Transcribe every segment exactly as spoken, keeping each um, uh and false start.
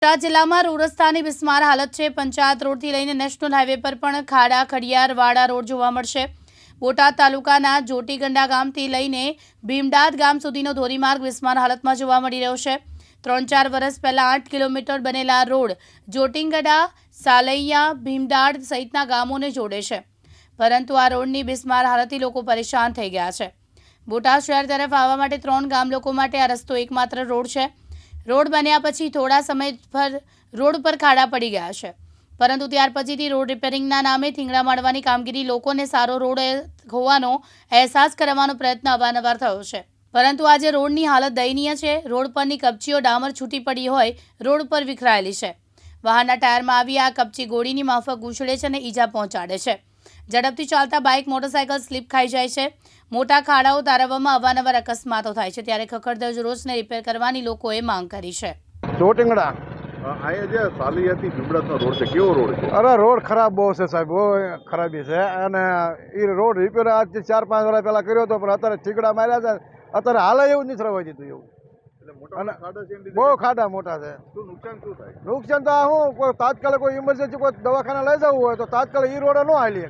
બોટાદ જિલ્લામાં રોડ રસ્તાની બિસ્માર હાલત છે। પંચાયત રોડથી લઈને નેશનલ હાઈવે પર પણ ખાડા ખડિયાર વાડા રોડ જોવા મળશે। બોટાદ તાલુકાના જોટીગંડા ગામથી લઈને ભીમડાદ ગામ સુધીનો ધોરીમાર્ગ બિસ્માર હાલતમાં જોવા મળી રહ્યો છે। ત્રણ ચાર વર્ષ પહેલા આઠ કિલોમીટર બનેલા રોડ જોટીગંડા સાલૈયા ભીમડાદ સહિતના ગામોને જોડે છે, પરંતુ આ રોડની બિસ્માર હાલતથી લોકો પરેશાન થઈ ગયા છે। બોટાદ શહેર તરફ આવવા માટે ત્રણ ગામ લોકો માટે આ રસ્તો એકમાત્ર રોડ છે। રોડ બન્યા પછી થોડા સમય પર રોડ પર ખાડા પડી ગયા છે, પરંતુ ત્યાર પછીથી રોડ રિપેરિંગના નામે થીંગડા મારવાની કામગીરી લોકોને સારો રોડ હોવાનો અહેસાસ કરાવવાનો પ્રયત્ન અવારનવાર થયો છે, પરંતુ આજે રોડની હાલત દયનીય છે। રોડ પરની કપચીઓ ડામર છૂટી પડી હોય રોડ પર વિખરાયેલી છે। વાહનના ટાયરમાં આવી આ કપચી ગોળીની માફક ઉછળે છે અને ઈજા પહોંચાડે છે। ઝડપથી ચાલતા બાઇક મોટરસાયકલ સ્લીપ ખાઈ જાય છે। મોટા ખાડાઓ તારવવામાં અવારનવાર અકસ્માતો થાય છે, ત્યારે ખખડધજ રોડને રિપેર કરવાની લોકોએ માંગ કરી છે। જોટીગંડા આ જે સાલિયાથી ભીમડાદનો રોડ છે, કેવો રોડ છે? અરે રોડ ખરાબ બહુ છે સાહેબ, બહુ ખરાબી છે। અને એ રોડ રિપેર આજથી ચાર પાંચ વર્ષ પહેલા કર્યો હતો, પણ અત્યારે ઠીકડા માર્યા છે, અત્યારે હાલે એવું નથી રવા દીધું એવું। એટલે મોટા ખાડા છે, બહુ ખાડા મોટા છે। શું નુકસાન શું થાય? નુકસાન તો હું કોઈ તાત્કાલિક કોઈ ઇમરજન્સી કોઈ દવાખાને લઈ જવું હોય તો તાત્કાલિક એ રોડે ન હાલી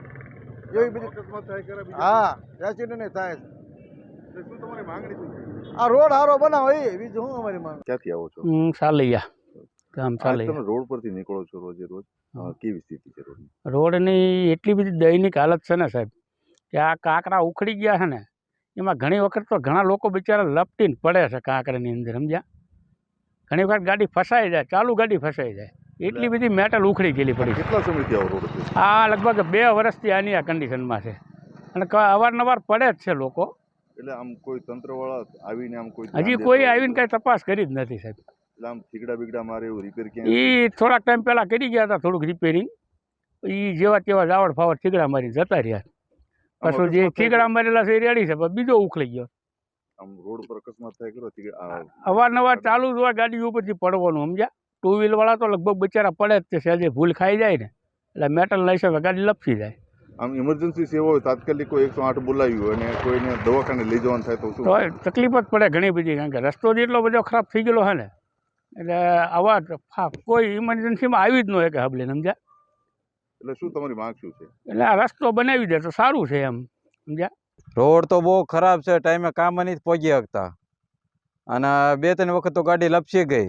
શકે એવી બીજી અકસ્માત થાય કરે બીજા? હા, એક્સિડન્ટ થાય છે। એટલે શું તમારી માંગણી શું છે? આ રોડ સારો બનાવો એ બીજું શું અમારી માંગ। ક્યાંથી આવો છો? હું સાલૈયા ગામ આજ સાલૈયા। તમે રોડ પરથી નીકળો છો રોજે રોજ, કેવી સ્થિતિ છે રોડની? રોડની એટલી બધી દયનીક હાલત છે ને સાહેબ, કે આ કાંકરા ઉખડી ગયા છે ને, એમાં ઘણી વખત તો ઘણા લોકો બિચારા લપટીને પડે છે કાંકરાની અંદર, સમજ્યા? ઘણી વખત ગાડી ફસાઈ જાય, ચાલુ ગાડી ફસાઈ જાય, એટલી બધી મેટલ ઉખડી ગયેલી પડી છે। કેટલા સમયથી આવો રોડ છે? આ લગભગ બે વર્ષથી આની આ કન્ડિશનમાં છે, અને અવારનવાર પડે જ છે લોકો। એટલે આમ કોઈ તંત્રવાળા આવીને આમ કોઈ હજી કોઈ આવીને કાંઈ તપાસ કરી જ નથી સાહેબ। એટલે આમ થીગડા બીગડા મારે એવું રિપેર ક્યાં? એ થોડાક ટાઈમ પહેલાં કરી ગયા હતા થોડુંક રિપેરિંગ, એ જેવા તેવા જાવડ ફાવડ થીગડા મારીને જતા રહ્યા। પાછું જે થીગડા મારેલા છે એ રેડી છે, પણ બીજો ઉખડી ગયો। આમ રોડ પર અકસ્માત થાય કરો અવારનવાર ચાલુ જ હોય ગાડી ઉપરથી પડવાનું, સમજ્યા? ટુ વ્હીલ વાળા તો લગભગ બચારા પડે જ છે, સહેજે ભૂલ ખાઈ જાય ને એટલે મેટલ લઈ શકે ગાડી લપસી જાય। આમ ઇમરજન્સી સેવા હોય તાત્કાલિક કોઈ એકસો આઠ બોલાવ્યું હોય અને કોઈને દવાખાને લઈ જવાનું થાય તો શું? તો તકલીફ જ પડે ઘણી બધી, કારણ કે રસ્તો જ એટલો બધો ખરાબ થઈ ગયેલો છે ને, એટલે આવા કોઈ ઇમરજન્સીમાં આવી જ ન હોય કે હબલે, સમજ્યા? એટલે શું તમારી માંગ શું છે? એટલે આ રસ્તો બનાવી દે તો સારું છે એમ, સમજ્યા? રોડ તો બહુ ખરાબ છે, ટાઈમે કામ નથી પહોંચી શકતા, અને બે ત્રણ વખત તો ગાડી લપસી ગઈ,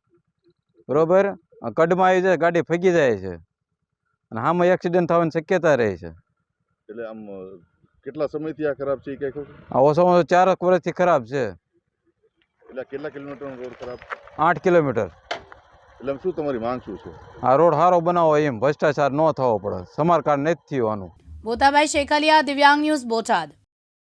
બરોબર? કડમાં આવી જાય ગાડી ફગી જાય છે, અને આમાં એક્સિડન્ટ થવાની શક્યતા રહે છે। એટલે આમ કેટલા સમયથી આ ખરાબ છે એ કઈ ખબર? આ ઓછામાં ઓછું ચાર વર્ષથી ખરાબ છે। એટલે કેટલા કિલોમીટરનો રોડ ખરાબ? આઠ કિલોમીટર। એટલે શું તમારી માંગ શું છે? આ રોડ સારો બનાવો, એમ ભ્રષ્ટાચાર ન થવો પડે, સમારકામ નથી થયું આનું। બોતાભાઈ શેખલિયા, દિવ્યાંગ ન્યૂઝ, બોટાદ।